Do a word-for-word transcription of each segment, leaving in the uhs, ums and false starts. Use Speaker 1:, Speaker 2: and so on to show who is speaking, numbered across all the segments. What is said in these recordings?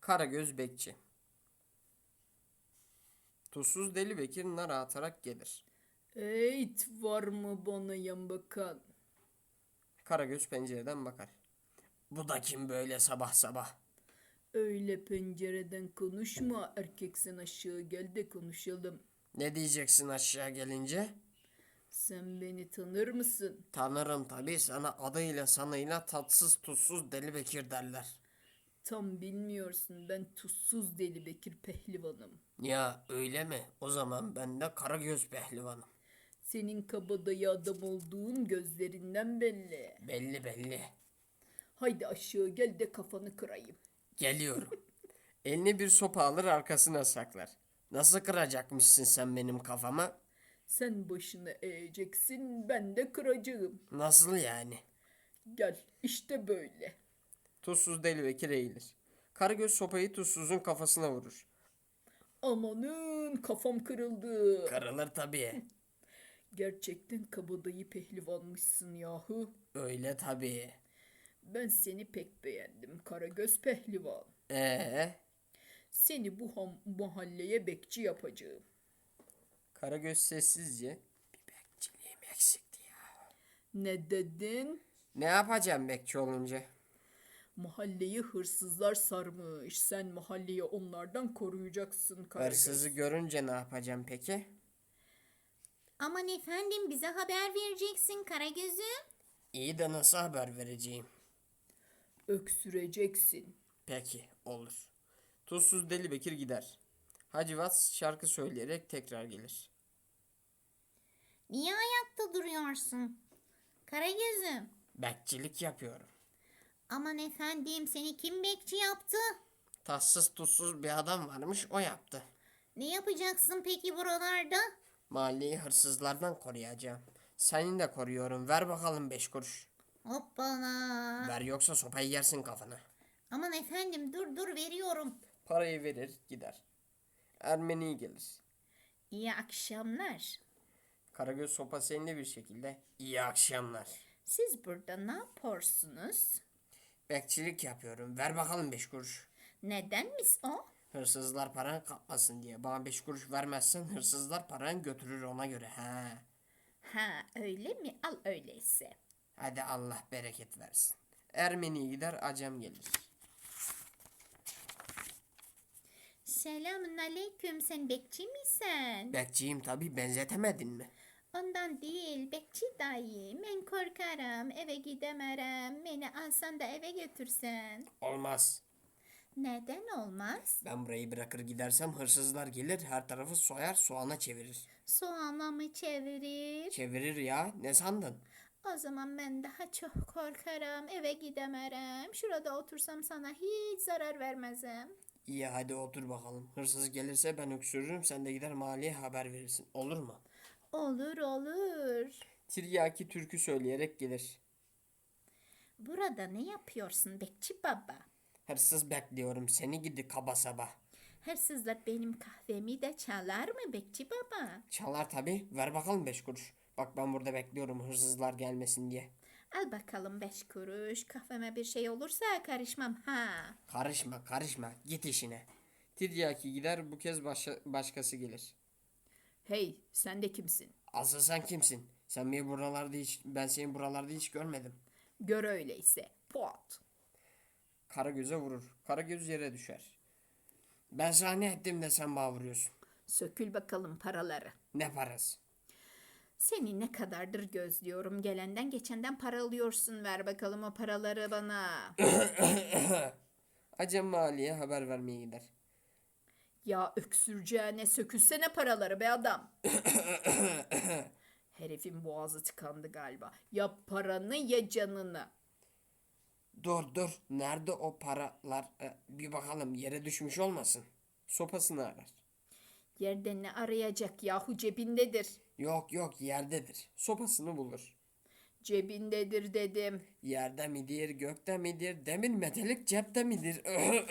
Speaker 1: Karagöz bekçi. Tuzsuz Deli Bekir nar atarak gelir.
Speaker 2: Eğit var mı bana yan bakan?
Speaker 1: Karagöz pencereden bakar. Bu da kim böyle sabah sabah?
Speaker 2: Öyle pencereden konuşma, erkeksen aşağı gel de konuşalım.
Speaker 1: Ne diyeceksin aşağı gelince?
Speaker 2: Sen beni tanır mısın?
Speaker 1: Tanırım tabii, sana adıyla sanıyla tatsız tuzsuz Deli Bekir derler.
Speaker 2: Tam bilmiyorsun, ben tuzsuz Deli Bekir pehlivanım.
Speaker 1: Ya öyle mi? O zaman ben de Karagöz pehlivanım.
Speaker 2: Senin kabadayı adam olduğun gözlerinden belli.
Speaker 1: Belli belli.
Speaker 2: Haydi aşağı gel de kafanı kırayım.
Speaker 1: Geliyorum. Elini bir sopa alır arkasına saklar. Nasıl kıracakmışsın sen benim kafama?
Speaker 2: Sen başını eğeceksin, ben de kıracağım.
Speaker 1: Nasıl yani?
Speaker 2: Gel, işte böyle.
Speaker 1: Tuzsuz Deli Bekir eğilir. Karagöz sopayı tuzsuzun kafasına vurur.
Speaker 2: Amanın kafam kırıldı.
Speaker 1: Kırılır tabii.
Speaker 2: Gerçekten kabadayı pehlivanmışsın yahu.
Speaker 1: Öyle tabii.
Speaker 2: Ben seni pek beğendim Karagöz pehlivan.
Speaker 1: Ee,
Speaker 2: Seni bu ham- mahalleye bekçi yapacağım.
Speaker 1: Karagöz sessizce bir bekçiliğim eksikti ya.
Speaker 2: Ne dedin?
Speaker 1: Ne yapacağım bekçi olunca?
Speaker 2: Mahalleyi hırsızlar sarmış. Sen mahalleyi onlardan koruyacaksın Karagöz.
Speaker 1: Hırsızı görünce ne yapacağım peki?
Speaker 3: Aman efendim bize haber vereceksin Karagöz'üm.
Speaker 1: İyi de nasıl haber vereceğim?
Speaker 2: Öksüreceksin.
Speaker 1: Peki, olur. Tuzsuz Deli Bekir gider. Hacivat şarkı söyleyerek tekrar gelir.
Speaker 3: Niye ayakta duruyorsun? Karagöz'üm.
Speaker 1: Bekçilik yapıyorum.
Speaker 3: Aman efendim seni kim bekçi yaptı?
Speaker 1: Tatsız tuzsuz bir adam varmış, o yaptı.
Speaker 3: Ne yapacaksın peki buralarda?
Speaker 1: Mahalleyi hırsızlardan koruyacağım. Seni de koruyorum. Ver bakalım beş kuruş.
Speaker 3: Hoppala.
Speaker 1: Ver yoksa sopayı yersin kafana.
Speaker 3: Aman efendim dur dur veriyorum.
Speaker 1: Parayı verir gider. Ermeni gelir.
Speaker 3: İyi akşamlar.
Speaker 1: Karagöz sopası elinde bir şekilde. İyi akşamlar.
Speaker 3: Siz burada ne yapıyorsunuz?
Speaker 1: Bekçilik yapıyorum. Ver bakalım beş kuruş.
Speaker 3: Nedenmiş o?
Speaker 1: Hırsızlar paranı kapmasın diye. Bana beş kuruş vermezsen hırsızlar paranı götürür ona göre. He.
Speaker 3: Ha öyle mi? Al öyleyse.
Speaker 1: Hadi Allah bereket versin. Ermeni gider, Acem gelir.
Speaker 3: Selamun aleyküm, sen bekçi misin?
Speaker 1: Bekçiyim tabii, benzetemedin mi?
Speaker 3: Ondan değil, bekçi dayı. Ben korkarım, eve gidemerim. Beni alsan da eve götürsen.
Speaker 1: Olmaz.
Speaker 3: Neden olmaz?
Speaker 1: Ben burayı bırakır gidersem hırsızlar gelir, her tarafı soyar, soğana çevirir.
Speaker 3: Soğana mı çevirir?
Speaker 1: Çevirir ya, ne sandın?
Speaker 3: O zaman ben daha çok korkarım, eve gidemerim. Şurada otursam sana hiç zarar vermezim.
Speaker 1: İyi, hadi otur bakalım. Hırsız gelirse ben öksürürüm, sen de gider mahalleye haber verirsin. Olur mu?
Speaker 3: Olur olur.
Speaker 1: Tiryaki türkü söyleyerek gelir.
Speaker 3: Burada ne yapıyorsun bekçi baba?
Speaker 1: Hırsız bekliyorum seni gidi kaba sabah.
Speaker 3: Hırsızlar benim kahvemi de çalar mı bekçi baba?
Speaker 1: Çalar tabii, ver bakalım beş kuruş. Bak ben burada bekliyorum hırsızlar gelmesin diye.
Speaker 3: Al bakalım beş kuruş. Kahveme bir şey olursa karışmam ha.
Speaker 1: Karışma karışma, git işine. Tiryaki gider, bu kez başa- başkası gelir.
Speaker 2: Hey, sen de kimsin?
Speaker 1: Asıl sen kimsin? Sen beni buralarda hiç, ben seni buralarda hiç görmedim.
Speaker 2: Gör öyleyse. Pot.
Speaker 1: Karagöz'e vurur. Karagöz yere düşer. Ben sana ne ettim de sen bana vuruyorsun.
Speaker 2: Sökül bakalım paraları.
Speaker 1: Ne parası?
Speaker 2: Seni ne kadardır gözlüyorum. Gelenden geçenden para alıyorsun. Ver bakalım o paraları bana.
Speaker 1: Acem Mali'ye haber vermeye gider.
Speaker 2: Ya öksüreceğine sökülsene paraları be adam. Herifin boğazı tıkandı galiba. Ya paranı ya canını.
Speaker 1: Dur dur. Nerede o paralar? Ee, bir bakalım yere düşmüş olmasın. Sopasını arar.
Speaker 2: Yerde ne arayacak yahu, cebindedir.
Speaker 1: Yok yok, yerdedir. Sopasını bulur.
Speaker 2: Cebindedir dedim.
Speaker 1: Yerde midir, gökte midir, demir metelik cepte midir?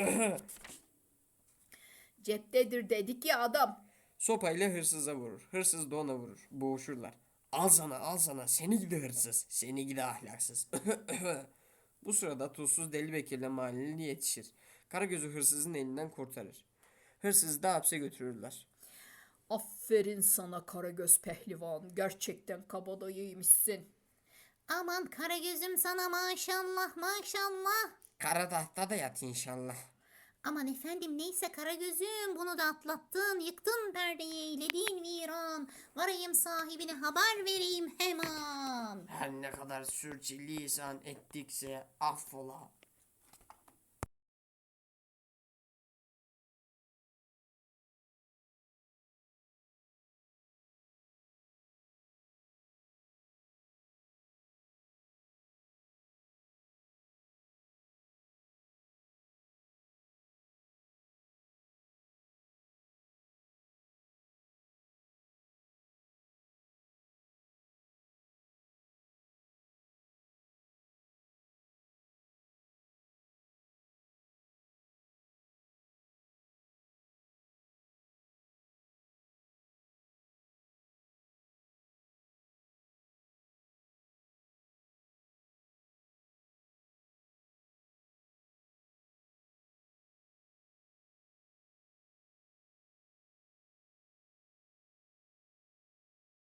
Speaker 2: Ceptedir dedik ya adam.
Speaker 1: Sopayla hırsıza vurur. Hırsız da ona vurur. Boğuşurlar. Al sana al sana, seni gidi hırsız. Seni gidi ahlaksız. Bu sırada tuzsuz Deli Bekir'le mahalleli yetişir. Karagöz'ü hırsızın elinden kurtarır. Hırsızı da hapse götürürler.
Speaker 2: Aferin sana Karagöz pehlivan. Gerçekten kabadayıymışsın.
Speaker 3: Aman Karagöz'üm sana maşallah maşallah.
Speaker 1: Kara tahta da yat inşallah.
Speaker 3: Aman efendim neyse Karagöz'üm bunu da atlattın. Yıktın perdeyi eyledin viran. Varayım sahibine haber vereyim hemen.
Speaker 1: Her ne kadar sürçülisan ettikse affola.